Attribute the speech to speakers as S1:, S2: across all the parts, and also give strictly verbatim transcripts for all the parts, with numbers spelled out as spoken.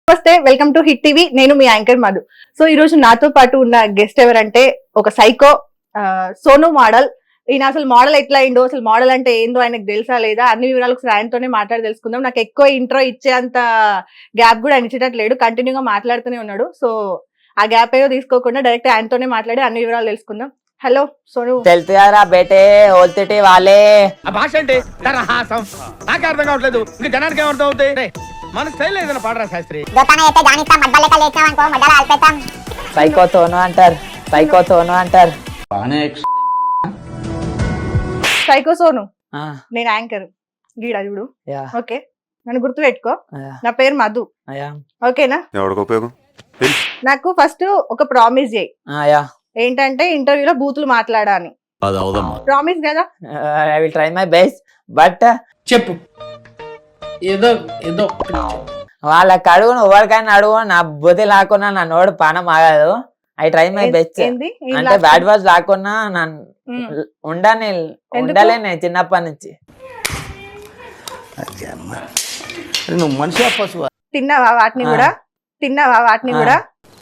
S1: నమస్తే, welcome to hit TV. నేను మీ anchor Madhu. So ఈ రోజు నాతో పాటు ఉన్న గెస్ట్ ఎవరంటే ఒక సైకో సోను మోడల్. ఈయన అసలు మోడల్ ఎట్లా అయిందో, అసలు మోడల్ అంటే ఏందో ఆయనకు తెలుసా లేదా అన్ని వివరాలు ఒకసారి ఆయనతోనే మాట్లాడి తెలుసుకుందాం. నాకు ఎక్కువ ఇంట్రో ఇచ్చేంత గ్యాప్ కూడా ఆయన ఇచ్చేటట్లేడు, కంటిన్యూగా మాట్లాడుతూనే ఉన్నాడు. సో ఆ గ్యాప్ ఏదో తీసుకోకుండా డైరెక్ట్ ఆయనతోనే మాట్లాడి అన్ని వివరాలు తెలుసుకుందాం. హలో సోను.
S2: తెలుసురా బేటే ఓల్తిటి వాళ్ళే.
S3: ఆ భాష అంటే తరహాసం నాకే అర్థం కావట్లేదు, ఇంకా జనానికి ఏమర్థం అవుతాయి? మన స్టైల్ ఏదైనా పాడరా శాస్త్రి.
S2: సైకో తోను అంటారు, సైకో తోను అంటారు.
S1: సైకో సోను,
S2: ఆ,
S1: నేను యాంకర్ గీడా చూడు.
S2: యా,
S1: ఓకే, నన్ను గుర్తు పెట్టుకో.
S2: యా,
S1: నా పేరు మధు,
S2: యా,
S1: ఓకేనా?
S4: ఎవరికి ఉపయోగం?
S1: నాకు ఫస్ట్ ఒక ప్రామిస్ చేయి.
S2: ఆ, యా.
S1: ఏంటంటే ఇంటర్వ్యూలో బూతులు మాట్లాడా అని. ప్రామిస్ కదా?
S2: I will try my best. But
S5: చెప్పు ఏదో ఏదో
S2: వాళ్ళకి అడుగును, ఎవరికైనా అడుగు, నా బుద్ధి లాక్కున్నా నా నోడు పానం ఆగదు. I try my best.
S1: ఏంది? ఏం
S2: అంటే
S1: లాస్ట్?
S2: బ్యాడ్ వర్డ్స్ లాక్కున్నా నన్ను
S1: ఉమ్.
S2: ఉండని ఉండలే నేను చిన్నప్పటి నుంచి.
S3: నువ్వు మనిషి పశువు.
S1: తిన్నావా వాటిని
S2: ఆ.
S1: కూడా? తిన్నావా వాటిని
S2: ఆ.
S1: కూడా?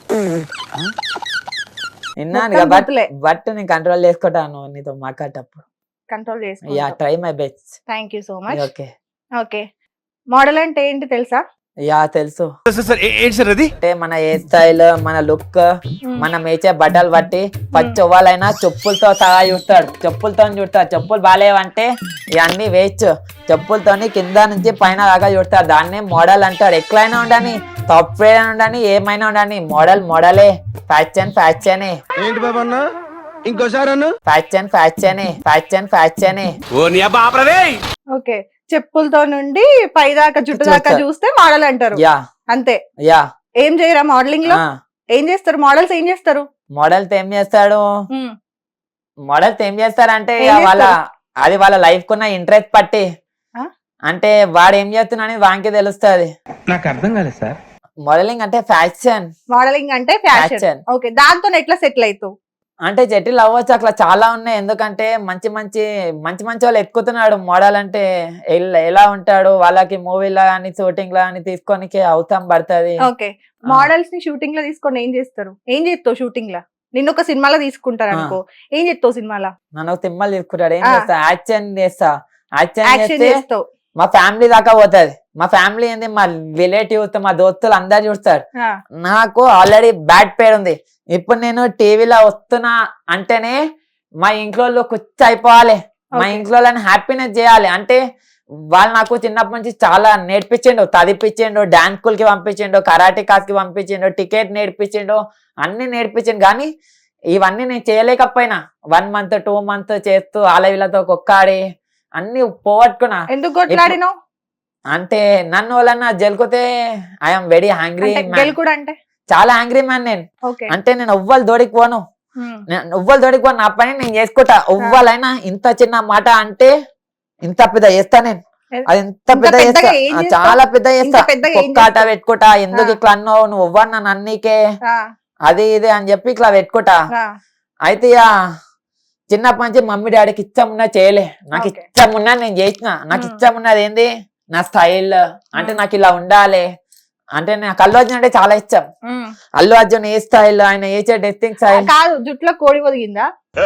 S2: విన్నాను
S1: మొత్తం
S2: బట్
S1: బూతులే.
S2: బట్ నేను కంట్రోల్ చేసుకుంటాను నీతో మాట్లాడేటప్పుడు.
S1: కంట్రోల్
S2: యా,
S1: చేసుకో.
S2: Try my best.
S1: Thank you so much.
S2: Okay.
S1: Okay, model అంటే ఏంటి తెలుసా?
S2: యా తెలుసు.
S3: సార్ ఏంటి సార్ అది?
S2: అంటే మన హెయిర్ స్టైల్, మన లుక్, మనం వేసే బట్టలు బట్టి పచ్చి ఎవ్వాలైనా చెప్పులతో సహా చూస్తాడు. చెప్పులతో చూస్తాడు. చెప్పులు బాగాలేవంటే ఇవన్నీ వేయచ్చు. చెప్పులతోని కింద నుంచి పైన దాకా చూస్తాడు. దాన్నే మోడల్ అంటాడు. ఎట్లయినా ఉండని, సాఫ్ట్వేర్ ఉండని, ఏమైనా ఉండని, మోడల్ మోడలే. ఫ్యాషన్ ఫ్యాషనే.
S3: ఏంటి బాబా అన్న, ఇంకోసారి అన్న.
S2: ఫ్యాషన్ ఫ్యాషనే. ఫ్యాషన్ ఫ్యాషనే.
S3: ఓ నీ అబ్బా ఆపరదే.
S1: ఓకే, చెప్పులతో నుండి పైదాకా జుట్టు దాకా
S2: చూస్తా.
S1: చూస్తే మోడల్ అంటారు.
S2: యా,
S1: అంతే.
S2: యా.
S1: ఏం చేయరా మోడలింగ్ లో? ఏం చేస్తారు మోడల్స్? ఏం చేస్తారు?
S2: మోడల్స్ ఏం చేస్తాడు?
S1: ఉమ్.
S2: మోడల్స్ ఏం చేస్తారంటే
S1: ఏం
S2: ఇక వాళ్ళ
S1: చేస్తారు?
S2: అది వాళ్ళ లైఫ్ కున్న ఇంట్రెస్ట్ పట్టి,
S1: ఆ?
S2: అంటే వాడు ఏం చేస్తున్నా అనేది వానికి తెలుస్తుంది.
S3: నాకు అర్థం కాలేదు సార్.
S2: మోడలింగ్ అంటే ఫ్యాషన్.
S1: మోడలింగ్ అంటే ఫ్యాషన్.
S2: ఫ్యాషన్.
S1: ఓకే, దాంతో ఎట్లా సెటిల్ అవుతావు?
S2: అంటే జటిల్ అవ్వచ్చు, అట్లా చాలా ఉన్నాయి. ఎందుకంటే మంచి మంచి మంచి మంచి వాళ్ళు ఎక్కుతున్నాడు. మోడల్ అంటే ఎల్- ఎలా ఉంటాడు, వాళ్ళకి మూవీలో కానీ షూటింగ్ లో కానీ తీసుకోనికి అవసరం పడుతుంది.
S1: ఓకే, మోడల్స్ ని షూటింగ్ లో తీసుకొని ఏం చేస్తారు? ఏం చేస్తావు షూటింగ్ లో? నిన్ను ఒక సినిమాలో తీసుకుంటారు అనుకో, ఏం చేస్తావు సినిమాలో?
S2: నన్ను ఒక తిమ్మలు తీసుకుంటాడు. ఏం
S1: ఆ.
S2: చేస్తా? యాక్షన్ చేస్తా. యాక్షన్
S1: యాక్షన్
S2: చేస్తే
S1: చేస్తావు.
S2: మా ఫ్యామిలీ దాకా పోతుంది. మా ఫ్యామిలీ ఏంది, మా రిలేటివ్స్, మా దోస్తులు అందరు చూస్తారు.
S1: ఆ,
S2: నాకు ఆల్రెడీ బ్యాడ్ పేరు ఉంది. ఇప్పుడు నేను టీవీలో వస్తున్నా అంటేనే మా ఇంట్లో కుచ్చి అయిపోవాలి. మా
S1: Okay.
S2: ఇంట్లో హ్యాపీనెస్ చేయాలి. అంటే వాళ్ళు నాకు చిన్నప్పటి నుంచి చాలా నేర్పించిండు. చదివిపించిండు, డాన్స్ స్కూల్ కి పంపించిండు, కరాటే క్లాస్ కి పంపించిండు, టికెట్ నేర్పించిండు, అన్ని నేర్పించిండు. కానీ ఇవన్నీ నేను చేయలేకపోయినా వన్ మంత్ టూ మంత్ చేస్తూ ఆలవిలతో కొక్కాడి అన్ని పోగొట్టుకున్నా.
S1: ఎందుకు కొట్లాడినావు?
S2: అంటే నన్ను వాళ్ళన్నా జలుకుతే ఐఎమ్ వెరీ హ్యాంగ్రీ
S1: అంటే
S2: మ్యాన్.
S1: గెలుకుడు అంటే?
S2: చాలా హ్యాంగ్రీ మ్యాన్ నేను.
S1: ఓకే.
S2: అంటే నేను ఎవ్వరు దోడికి పోను.
S1: ఉమ్.
S2: నేను ఎవ్వరు దోడికి పోను, నా పని నేను చేసుకుంటా. ఎవ్వరైనా ఇంత చిన్న మాట అంటే ఇంత పెద్ద చేస్తా నేను. అది ఇంత
S1: ఇంత
S2: పెద్ద చేస్తా,
S1: పెద్దగా ఏం
S2: ఆ,
S1: చేస్తావ్?
S2: చాలా పెద్ద చేస్తా.
S1: ఇంత పెద్దగా ఏం
S2: ఒక్కాట
S1: చేస్తావ్?
S2: పెట్టుకుంటా. ఎందుకు
S1: ఆ.
S2: ఇట్లా అన్నావు, నువ్వు ఎవ్వరు నన్ను అన్నీకే
S1: ఆ,
S2: అది ఇది అని చెప్పి ఇట్లా పెట్టుకుంటా.
S1: ఆ.
S2: అయితే ఇక చిన్నప్పటి నుంచి మమ్మీ డాడీకి ఇష్టం ఉన్నా చేయలే. నాకు
S1: Okay.
S2: ఇష్టం ఉన్నా నేను చేసిన. నాకు
S1: Hmm.
S2: ఇష్టం ఉన్నది ఏంది, నా స్టైల్. అంటే
S1: Hmm.
S2: నాకు ఇలా ఉండాలి. అంటే నాకు అల్లు అర్జున్ అంటే చాలా ఇష్టం.
S1: ఉమ్.
S2: అల్లు అర్జున్ ఏ స్టైల్, ఆయన వేసే డ్రెస్సింగ్ స్టైల్.
S1: కాదు, జుట్లో కోడి ఒదిగిందా?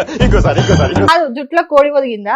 S1: కాదు, జుట్లో కోడి ఒదిగిందా?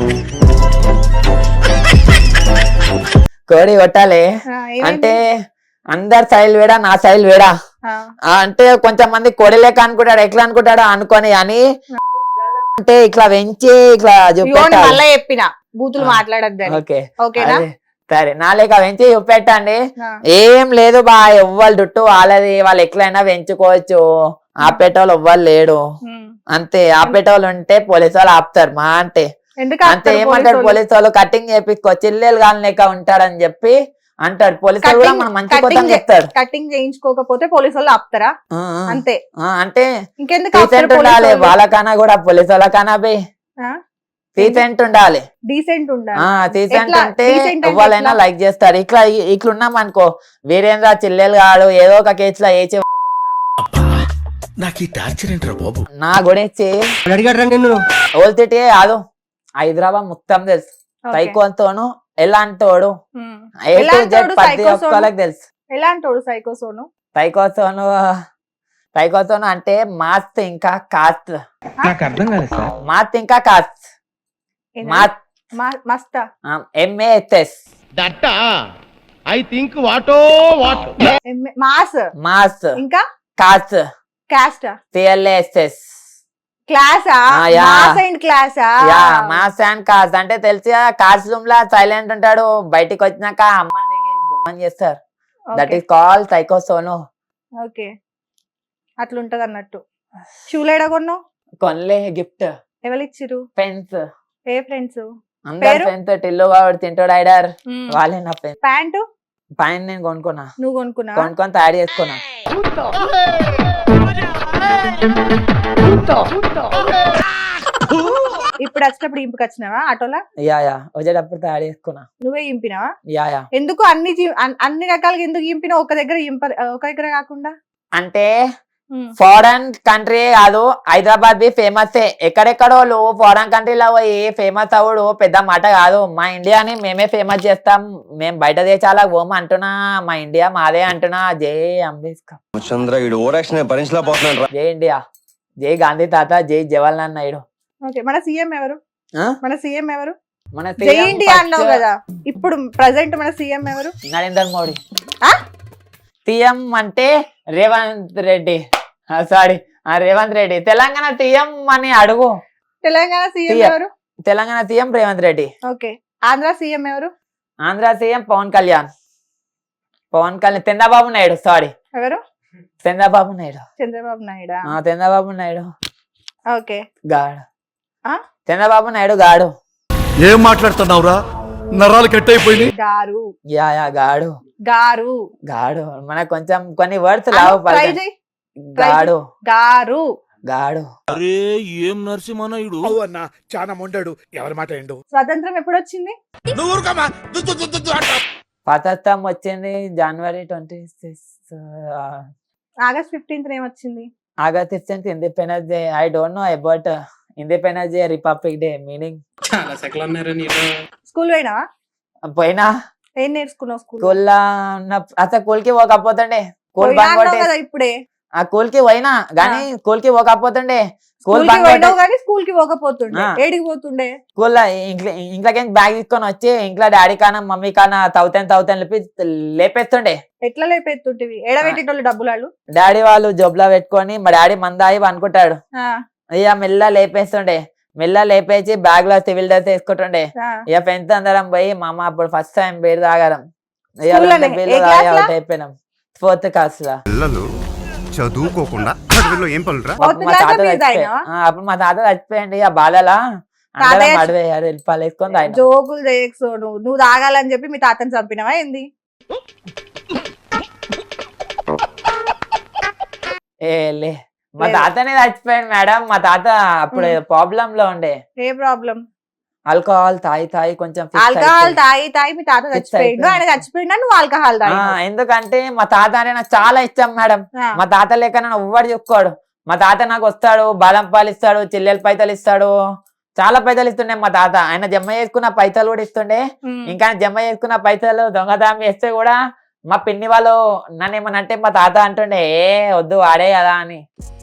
S2: కోడి కొట్టాలి.
S1: ఆ, ఏమైంది?
S2: అంటే అందరి స్టైల్ వేడా, నా స్టైల్ వేడా.
S1: ఆ,
S2: ఆ, అంటే కొంచెం మంది కోడి లెక్క అనుకుంటాడు, ఎట్లా అనుకుంటాడో అనుకొని అని అంటే ఇట్లా పెంచి ఇట్లా
S1: ఇగో నేను
S2: చూపెట్టాలి.
S1: మళ్ళా చెప్పిన బూతులు
S2: ఆ.
S1: మాట్లాడద్దని.
S2: ఓకే,
S1: ఓకేనా?
S2: అదే. సరే, నా లెక్క పెంచి చూపెట్టండి.
S1: ఆ.
S2: ఏం లేదు బా, ఎవ్వరు చుట్టూ వాళ్ళది, వాళ్ళు ఎట్లయినా పెంచుకోవచ్చు. ఆపేటోళ్ళు ఎవ్వరు లేడు.
S1: ఉమ్.
S2: అంతే, ఆపేటోళ్ళు ఉంటే పోలీసు వాళ్ళు ఆపుతారు మా అంటే.
S1: ఎందుకు
S2: అంతే,
S1: ఆపుతారు
S2: ఏమంటాడు
S1: పోలీసోళ్ళు?
S2: పోలీసు వాళ్ళు, కటింగ్ చేపించుకో, చిల్లెలు కాని లెక్క ఉంటాడని చెప్పి అంటాడు. పోలీసు వాళ్ళు కూడా
S1: కటింగ్-
S2: మనం మంచి కోసం
S1: కటింగ్
S2: చెప్తాడు.
S1: కటింగ్ చేయించుకోకపోతే పోలీసు వాళ్ళు ఆపుతారా?
S2: ఆ, ఆ.
S1: అంతే.
S2: ఆ, అంటే
S1: ఇంకెందుకు ఆపుతారు
S2: డీసెంట్
S1: పోలీసు
S2: ఉండాలి.
S1: వాళ్ళు?
S2: వాళ్ళకన్నా కూడా పోలీసు వాళ్ళకన్నా బే
S1: ఆ?
S2: డీసెంట్ ఉండాలి.
S1: డీసెంట్ ఉండాలి.
S2: ఆ డీసెంట్
S1: ఎట్లా?
S2: అంటే
S1: Decent అంటే
S2: ఎవరైనా
S1: ఎట్లా?
S2: లైక్ చేస్తారు. ఇట్లా ఇట్లా ఉన్నాం అనుకో, వీరేంద్ర చిల్లెలు కాడు ఏదో ఒక కేసులో వేచి
S3: నాకు ఈ టార్చర్ ఏంట్రా బాబు?
S2: నా గురించి
S3: అడిగాడు నిన్ను.
S2: ఓల్తిటే కాదు, హైదరాబాద్ మొత్తం తెలుసు.
S1: Okay.
S2: సైకోతోను ఎలాంటోడు
S1: ఉమ్.
S2: ఏ టు
S1: ఎలాంటోడు
S2: జెడ్ ప్రతి
S1: psycho సోను?
S2: ఒక్కరికి తెలుసు.
S1: ఎలాంటోడు సైకో సోను?
S2: టైకోసోను టైకోసోను అంటే మాత్ ఇంకా కాత్
S3: నాకు అర్థం కాలేదు సార్.
S2: మాత్ ఇంకా కాత్
S1: ఏంది?
S2: మాత్
S1: మా- మస్తా
S2: ఎంఏఎస్ఎస్
S3: దట్ట ఐ థింక్ వాటో వాట్.
S1: ఎమ్మె- మాస్
S2: మాస్
S1: ఇంకా
S2: కాత్
S1: క్యాస్టా
S2: సిఎల్ఎస్ఎస్
S1: క్లాసా?
S2: ఆ, యా.
S1: మాస్ అండ్ క్లాసా?
S2: యా మాస్ అండ్ కాస్ అంటే తెలిసి కాస్ రూమ్ లా సైలెంట్ ఉంటాడు, బయటికి వచ్చినాక అమ్మని బొమ్మని చేస్తారు. దట్ ఈస్ కాల్ సైకోసోను.
S1: ఓకే, అట్లుంటది అన్నట్టు. షూలేడా కొన్నావు?
S2: కొనలే గిఫ్ట్
S1: ఎవరు ఇచ్చిరు?
S2: పెన్స్
S1: ఏ ఫ్రెండ్స్?
S2: అందరు
S1: పేరు?
S2: ఫ్రెండ్స్ టిల్లు వాడు తింటాడు ఐడర్ వాళ్ళే నా ఫ్రెండ్స్.
S1: ప్యాంటు
S2: పైన నేను కొనుక్కున్నా,
S1: నువ్వు కొనుక్కున్నా?
S2: కొనుక్కొని తయారు చేసుకున్నా.
S1: ఇప్పుడు వచ్చేటప్పుడు ఇంపుకి వచ్చినావా ఆటోలా?
S2: యా యా వచ్చేటప్పుడు తయారు చేసుకున్నా.
S1: నువ్వే ఇంపినావా?
S2: యా యా
S1: ఎందుకు అన్ని జీ- అన్- అన్ని రకాలుగా ఎందుకు ఇంపినా? ఒక దగ్గర ఇంప ఒక దగ్గర కాకుండా?
S2: అంటే ఫారెన్ కంట్రీ కాదు, హైదరాబాద్ బి ఫేమస్. ఎక్కడెక్కడో ఫారెన్ కంట్రీలో పోయి ఫేమస్ అవుడు పెద్ద మాట కాదు. మా ఇండియాని మేమే ఫేమస్ చేస్తాం. మేము బయట దేశాలకు పోము అంటున్నా, మా ఇండియా మాదే అంటున్నా. జై అంబేద్కర్,
S4: చంద్ర ఈడు ఓరాక్షన్ భరించలేకపోతున్నాడు రా.
S2: జై ఇండియా, జై గాంధీ తాత, జై జవహర్లాల్ నాయుడు.
S1: ఓకే, మన సీఎం ఎవరు?
S2: ఆ?
S1: మన సీఎం ఎవరు?
S2: మన
S1: జై ఇండియా అన్నావు కదా, ఇప్పుడు ప్రజెంట్ మన సీఎం ఎవరు?
S2: నరేంద్ర మోడీ.
S1: ఆ?
S2: సీఎం అంటే రేవంత్ రెడ్డి, సారీ రేవంత్ రెడ్డి. తెలంగాణ సీఎం అని అడుగు.
S1: Telangana CM
S2: CM.
S1: ఎవరు?
S2: Telangana CM Revanth Reddy.
S1: Okay, Andhra CM ఎవరు?
S2: ఆంధ్ర సీఎం పవన్ కళ్యాణ్. పవన్ కళ్యాణ్ చంద్రబాబు నాయుడు, సారీ
S1: ఎవరు?
S2: చంద్రబాబు నాయుడు.
S1: చంద్రబాబు నాయుడా?
S2: ఆ, చంద్రబాబు నాయుడు
S1: ఓకే.
S2: గాడు.
S1: ఆ?
S2: చంద్రబాబు నాయుడు గాడు.
S6: ఏం మాట్లాడుతున్నావురా? నరాలు కట్ అయిపోయింది.
S1: గారు
S2: యా యా గాడు
S1: గారు
S2: గాడు. మనకు కొంచెం కొన్ని వర్డ్స్ లావు
S1: ట్రై
S2: పలకండి.
S1: చేయి.
S2: గాడు
S1: గారు
S2: గాడు.
S6: అరే ఏం నరసింహనాయుడు అన్న చాలా మొండాడు. ఎవరి మాట ఏండు?
S1: స్వతంత్రం ఎప్పుడు వచ్చింది?
S3: నువ్వు ఊరుకోమా. దు, దు, దు, దు, దు అంటావ్.
S2: స్వతంత్రం వచ్చింది జనవరి ట్వంటీ సిక్స్
S1: ఆగస్ట్ ఫిఫ్టీన్త్ ఏమొచ్చింది?
S2: August fifteenth independence day. I don't know about independence day, republic day meaning.
S5: చాలా సెకలు అన్నారా నీలో?
S1: స్కూల్ పోయినావా?
S2: పోయినా
S1: ఏం నేర్చుకున్నావు స్కూల్?
S2: స్కూల్లో ఉన్న అసలు స్కూల్ కి పోకపోతుండే. స్కూల్
S1: పోయినా
S2: బంక్
S1: అన్నావు
S2: కొట్టే
S1: కదా ఇప్పుడే.
S2: ఆ స్కూల్ కి పోయినా గానీ స్కూల్ కి పోకపోతుండే. స్కూల్
S1: స్కూల్ కి
S2: బంక్
S1: పోయినావు
S2: కొట్టే
S1: కానీ స్కూల్ కి పోకపోతుండే.
S2: ఆ.
S1: ఏడికి పోతుండే?
S2: స్కూల్లో ఇంట్లో ఇంట్లోకి బ్యాగ్ తీసుకొని వచ్చి ఇంట్లో డాడీ కానా మమ్మీ కానా తౌతాను తౌతాను లేపి లేపేస్తుండే.
S1: ఎట్లా లేపెత్తుంటివి? ఏడబెట్టేటోళ్ళు డబ్బులు వాళ్ళు.
S2: డాడీ వాళ్ళు జోబులో పెట్టుకొని మా డాడీ మందాయి అనుకుంటాడు.
S1: ఆ,
S2: ఇక మెల్ల లేపేస్తుండే. మెల్ల లేపేసి బ్యాగ్ లో సివిల్ డ్రెస్ వేసుకుంటుండే.
S1: ఆ.
S2: ఇక ఫ్రెండ్స్ అందరం పోయి మా అమ్మ అప్పుడు ఫస్ట్ టైం బీర్ తాగడం. ఇక
S1: School
S2: రెండు
S1: లోనే?
S2: బీర్లు
S1: ఏ
S2: తాగి
S1: class లా?
S2: అవుట్ అయిపోయినాం. ఫోర్త్ క్లాస్ లా.
S6: పిల్లలు చదువుకోకుండా చదువులో ఏం పనులురా?
S1: Fourth
S2: అప్పుడు మా
S1: class లో
S2: తాత
S1: బీర్
S2: చచ్చిపోయి-
S1: తాగినావా?
S2: ఆ, అప్పుడు మా తాత చచ్చిపోయింది. ఆ బాధలా అందరం
S1: తాతయ్య-
S2: అడివేయారు వెళ్ళిపాలు వేసుకొని తాగినాం.
S1: జోకులు చేయకు సోను. నువ్వు తాగాలని చెప్పి మీ తాతని చంపినవా ఏంది?
S2: ఏ లే మా
S1: లేదు.
S2: తాతనే చచ్చిపోయాడు మేడం. మా తాత అప్పుడు ప్రాబ్లం లో ఉండే.
S1: ఏ ప్రాబ్లం?
S2: ఆల్కహాల్ తాగి తాగి కొంచెం fix
S1: ఆల్కహాల్
S2: అయిపోయి.
S1: తాగి తాగి మీ తాత
S2: Fix
S1: చచ్చిపోయిండు.
S2: అయిపోయింది.
S1: ఆయన చచ్చిపోయిండా నువ్వు ఆల్కహాల్
S2: ఆ,
S1: తాగి?
S2: ఎందుకంటే మా తాత అంటే నాకు చాలా ఇష్టం మేడం. మా తాత లేక నన్ను ఎవ్వడు చెప్పుకోడు. మా తాత నాకు వస్తాడు, బాదం పాలు ఇస్తాడు, చిల్లెల పైసలు ఇస్తాడు, చాలా పైసలు ఇస్తుండే మా తాత. ఆయన జమ చేసుకున్న పైసలు కూడా ఇస్తుండే. ఇంకా ఆయన జమ చేసుకున్న పైసలు దొంగతనం చేస్తే కూడా మా పిన్ని వాళ్ళు నన్ను ఏమన్నా అంటే మా తాత అంటుండే ఏ వద్దు వాడే కదా అని.